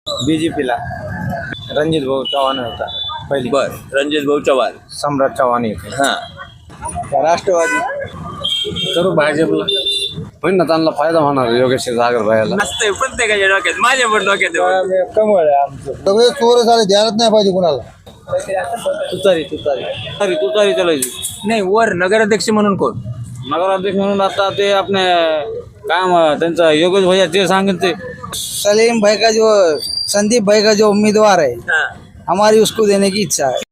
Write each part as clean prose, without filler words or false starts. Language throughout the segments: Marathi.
बीजेपीला रणजित भाऊ चव्हाण होता पहिली. बर, रणजित भाऊ चव्हाण. सम्राट चव्हाण येते. हा, राष्ट्रवादी करू भाजपला पण ना त्यांना फायदा होणार योगेश सागर भाईला. असतंय प्रत्येकाच्या डोक्यात, माझ्या पण डोक्यात आहे. कमळ आहे आमचं. सगळे चोर झाले द्यायलाच नाही पाहिजे कुणाला. तुतारी तुतारी तुतारी तुतारी चालायची. नाही, वर नगराध्यक्ष म्हणून कोण? नगराध्यक्ष म्हणून आता ते आपले काय त्यांचा योगेश भैया ते सांगेन ते. सलीम भाई का जो संदीप भाई का जो उम्मीदवार है हा. हमारी उसको देने की इच्छा है.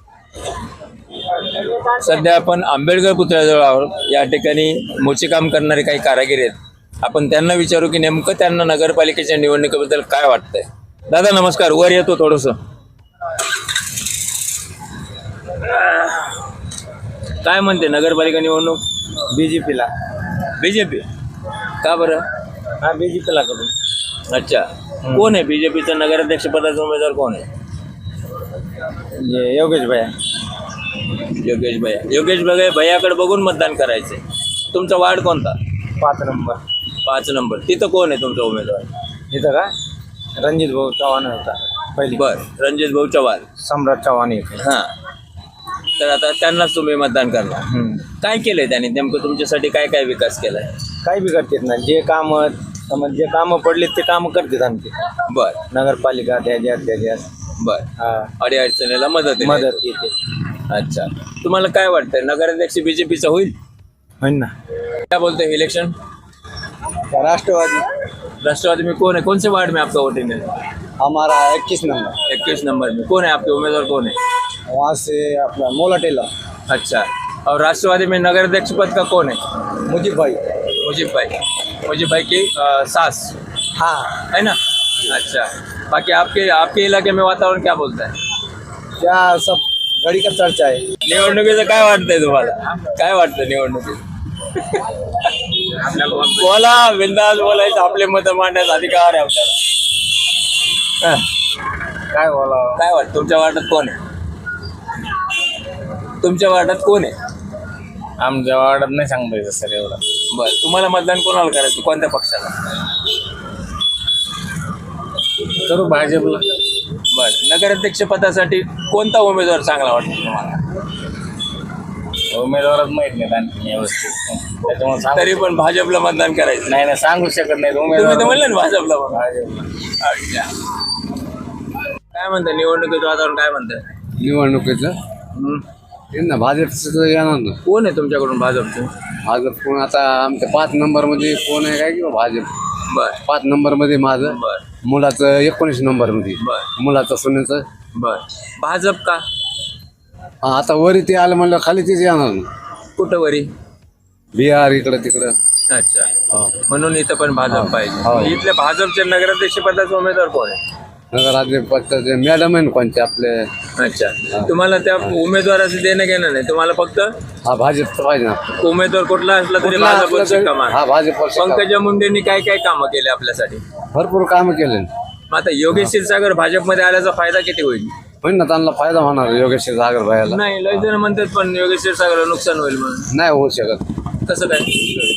सध्या आपण आंबेडकर पुतळ्याजवळ आहोत. या ठिकाणी मोचेकाम करणारे काही कारागीर आहेत. आपण त्यांना विचारू की नेमकं त्यांना नगरपालिकेच्या निवडणुकीबद्दल काय वाटतंय. दादा नमस्कार, वर येतो थोडस. काय म्हणते नगरपालिका निवडणूक? बीजेपीला बीजेपी का बरं? हा बीजेपीला करू. अच्छा, कोण आहे बीजेपीचा नगराध्यक्ष पदाचा उमेदवार कोण आहे? योगेश भैया. योगेश भैया. योगेश भैयाकडे बघून मतदान करायचंय. तुमचा वार्ड कोणता? 5 नंबर. 5 नंबर. तिथं कोण आहे तुमचा उमेदवार? इथं का रणजित भाऊ चव्हाण होता पहिली. बर, रणजित भाऊ चव्हाण. सम्राट चव्हाण येते. हा, तर आता त्यांनाच तुम्ही मतदान करणार. काय केलंय त्यांनी नेमकं तुमच्यासाठी? काय काय विकास केलाय? काही बी करतात ना, जे काम जे कामं पडले ते कामं करतात आमचे. बर नगरपालिका त्याच्यात बर, अडी अडचणीला मदत येते. अच्छा, तुम्हाला काय वाटतंय नगराध्यक्ष बीजेपीचा होईल? होईल ना. क्या बोलते हैं इलेक्शन? राष्ट्रवादी राष्ट्रवादी में कौन है? कौन से वार्ड में आपका वोटिंग है? हमारा 21 नंबर. 21 नंबर में कौन है आपके उम्मीदवार कौन है? वहाँ से अपना मोला टेलर. अच्छा, और राष्ट्रवादी में नगराध्यक्ष पद का कौन है? मुझे भाई. मुजीब भाई की सास हाँ. है ना. अच्छा, बाकी आपके इलाके में वातावरण क्या बोलता है? क्या सब घड़ी का चर्चा है. निवडणुकीचं काय वाटतंय तुम्हाला? काय वाटतं निवडणुकीत? बोला, बिंदास बोलायचं. आपले मत मांडण्याचा अधिकार आहे आपल्याला. काय बोला. काय वाटतं तुमच्या वार्डात कोण आहे? तुमच्या वार्डात कोण आहे? आमच्या वार्डात नाही सांगता येतं सर एवढं. बरं, तुम्हाला मतदान कोणाला करायचं? कोणत्या पक्षाला? करू भाजपला. बरं, नगराध्यक्ष पदासाठी कोणता उमेदवार चांगला वाटतो तुम्हाला? उमेदवारच माहित नाही आणखी व्यवस्थित, त्याच्यामुळे तरी पण भाजपला मतदान करायचं? नाही सांगू शकत नाही. तुम्ही तर म्हणलं ना भाजपला म्हणून. भाजपला. अच्छा, काय म्हणतं निवडणुकीचं वातावरण? काय म्हणतं निवडणुकीचं ना भाजपचं येणार ना. कोण आहे तुमच्याकडून भाजपचं? भाजप कोण आता आमच्या 5 नंबरमध्ये कोण आहे काय किंवा भाजप. बरं 5 नंबरमध्ये माझं. बरं मुलाचं 19 नंबरमध्ये. बरं मुलाचं सुनेचं. बरं, भाजप का? आता वरी ते आलं म्हणलं खाली तेच येणार ना. कुठं वरी? बिहार इकडं तिकडं. अच्छा, म्हणून इथं पण भाजप पाहिजे. हो. इथल्या भाजपच्या नगराध्यक्ष पदाचा उमेदवार कोण आहे? नगराध्यक्ष मॅडम आहे ना कोणते आपले. अच्छा, तुम्हाला त्या उमेदवाराचं देणं घेणं नाही, तुम्हाला फक्त हा भाजपचं पाहिजे ना. उमेदवार कुठला असला तरी कुठला असला भाजपची तरी- कमान. हा भाजप. पंकजा मुंडेंनी काय काय कामं केले आपल्यासाठी? भरपूर कामं केले. मग आता योगेश क्षीरसागर भाजपमध्ये आल्याचा फायदा किती होईल? होईल ना, त्यांना फायदा होणार योगेश सागर भाईला. नाही, लय जण म्हणतात पण योगेश क्षीरसागरला नुकसान होईल म्हणून. नाही होऊ शकत. कसं काय?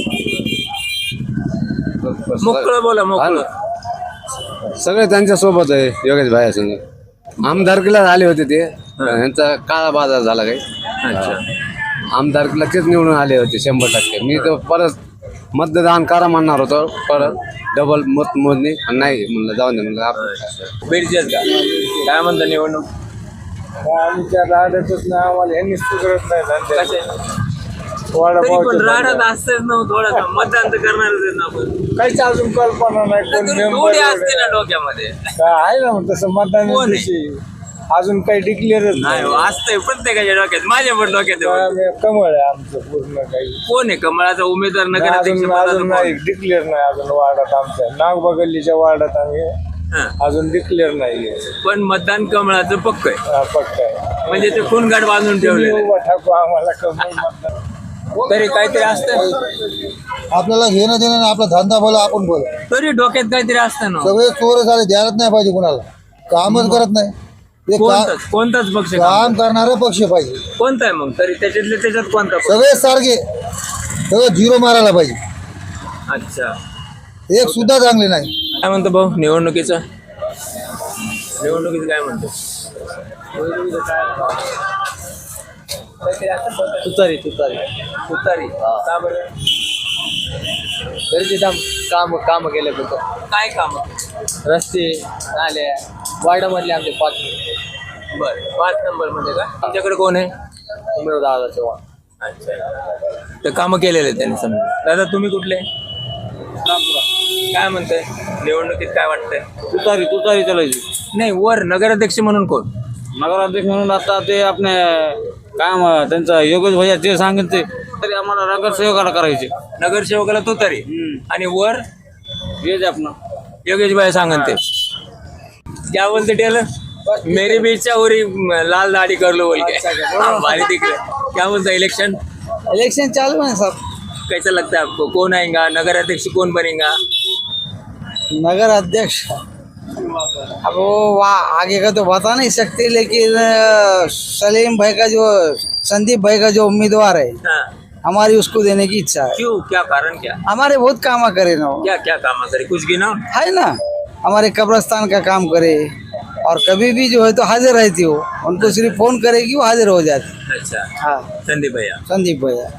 मोकळं बोला, मोकळं. सगळे त्यांच्या सोबत आहे योगेश भाई संग. आमदारकीला आले होते ते, यांचा काळा बाजार झाला काही. अच्छा, आमदारकीला तेच निवडून आले होते 100%. मी तर परत मतदान करा म्हणणार होतो, परत डबल मत मोजणी नाही म्हणलं जाऊन दे म्हणलं आपण. बीडचेच का? काय म्हणतं निवडणूक? आमच्या राहतच ना आम्हाला यांनीच करत नाही. कसे तरी पण राहत असतेच ना थोडंसं. मतदान तर करणारच आहे ना आपण. काहीच अजून कल्पना नाही. थोडी असते ना डोक्यामध्ये. आहे ना तसं मतदान कोण आहे? अजून काही डिक्लेअरच नाही, असतंय प्रत्येकाच्या डोक्यात, माझ्या पण डोक्यात आहे. कमळ आहे आमचं पूर्ण. काही कोण आहे कमळाचा उमेदवार नगराध्यक्ष अजून पदाचा नाही कोण? डिक्लेअर नाही अजून वार्डात आमच्या. नागबगल्लीच्या वार्डात आम्ही हां. अजून डिक्लेअर नाही. पण मतदान कमळाचं पक्क आहे, पक्का आहे. म्हणजे ते खूनगाठ बांधून ठेवले. उभा ठाकू आम्हाला कमळ मतदान. तरी काहीतरी असतं, आपल्याला घेणं देणं नाही, आपला धंदा बोला आपण बोला. तरी डोक्यात काहीतरी असतं ना. सगळे चोर झाले द्यायलाच नाही पाहिजे कुणाला. कामच करत नाही. ते कोणताच पक्ष काम करणारा पक्ष पाहिजे. कोणता आहे मग? तरी त्याच्यात कोणता पक्ष? सगळे सारखे, सगळं झिरो मारायला पाहिजे. अच्छा, एक सुद्धा चांगले नाही. काय म्हणतो भाऊ निवडणुकीचं? निवडणुकीत काय म्हणतो? तुतारी तुतारी तुतारी का बरं? तरी तिथं काम केले होतं. काय काम? रस्ते नाले वार्डामधले आमचे 5 बरं 5 नंबर मध्ये का? तुमच्याकडे कोण आहे? दादा चव्हाण. अच्छा, तर कामं केलेले त्यांनी समजा. दादा तुम्ही कुठले? काय म्हणताय निवडणुकीत काय वाटतंय? तुतारी चालायची. नाही, वर नगराध्यक्ष म्हणून कोण? नगराध्यक्ष म्हणून आता ते आपले काम त्यांचा योगेश भैया ते सांगेन ते तरी आम्हाला नगरसेवकाला करायचे. नगरसेवकाला तो तरी आणि वर हेच आपलं योगेश भाई सांगन ते. क्या बोलते टेलर? मेरी भी इच्छा हो रही लाल दाढ़ी कर लो बोल के. हमारी दिख रहा. क्या बोलता इलेक्शन इलेक्शन चालू है सब. कैसा लगता है आपको? कौन आएगा नगराध्यक्ष? कौन बनेगा? नगर अध्यक्ष अब वो आगे का तो बता नहीं सकते लेकिन सलीम भाई का जो संदीप भाई का जो उम्मीदवार है हाँ, हमारी उसको देने की इच्छा है. क्यों? क्या कारण? क्या हमारे बहुत काम करे ना वो. क्या क्या काम करे? कुछ गिना. है ना हमारे कब्रस्तान का काम करे और कभी भी जो है तो हाजिर रहती हो. उनको सिर्फ फोन करेगी वो हाजिर हो जाती. अच्छा, हाँ संदीप भैया. संदीप भैया.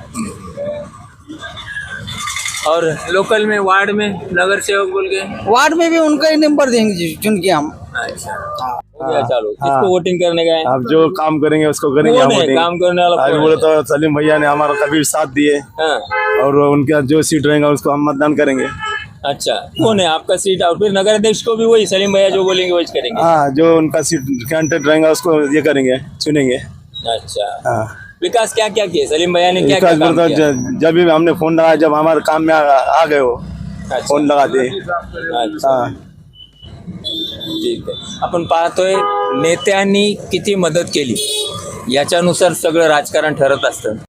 और लोकल में वार्ड में नगर सेवक बोल के. वार्ड में भी उनका ही नंबर देंगे चुन के हम. अच्छा, हो गया चालू. किसको वोटिंग करने का है? आप जो काम करेंगे उसको करेंगे कौन हम है वोटिंग। काम करने वाला? आज कौन बोले है? तो सलीम भैया ने हमारा कभी साथ दिए हाँ, और उनका जो सीट रहेगा उसको हम मतदान करेंगे। अच्छा, कौन है आपका सीट? और फिर नगर अध्यक्ष को भी वही सलीम भैया जो बोलेंगे वही करेंगे. हाँ, जो उनका सीट कैंडिडेट रहेगा उसको ये करेंगे, चुनेंगे। अच्छा, हाँ, विकास क्या क्या किए सलीम भैया ने? क्या विकास क्या काम बोलता किया? जब भी हमने फोन लगाया, जब हमारे काम में आ गए वो अच्छा, फोन लगाते। अच्छा, हाँ, ठीक आहे. आपण पाहतोय नेत्यांनी किती मदत केली याच्यानुसार सगळं राजकारण ठरत असतं.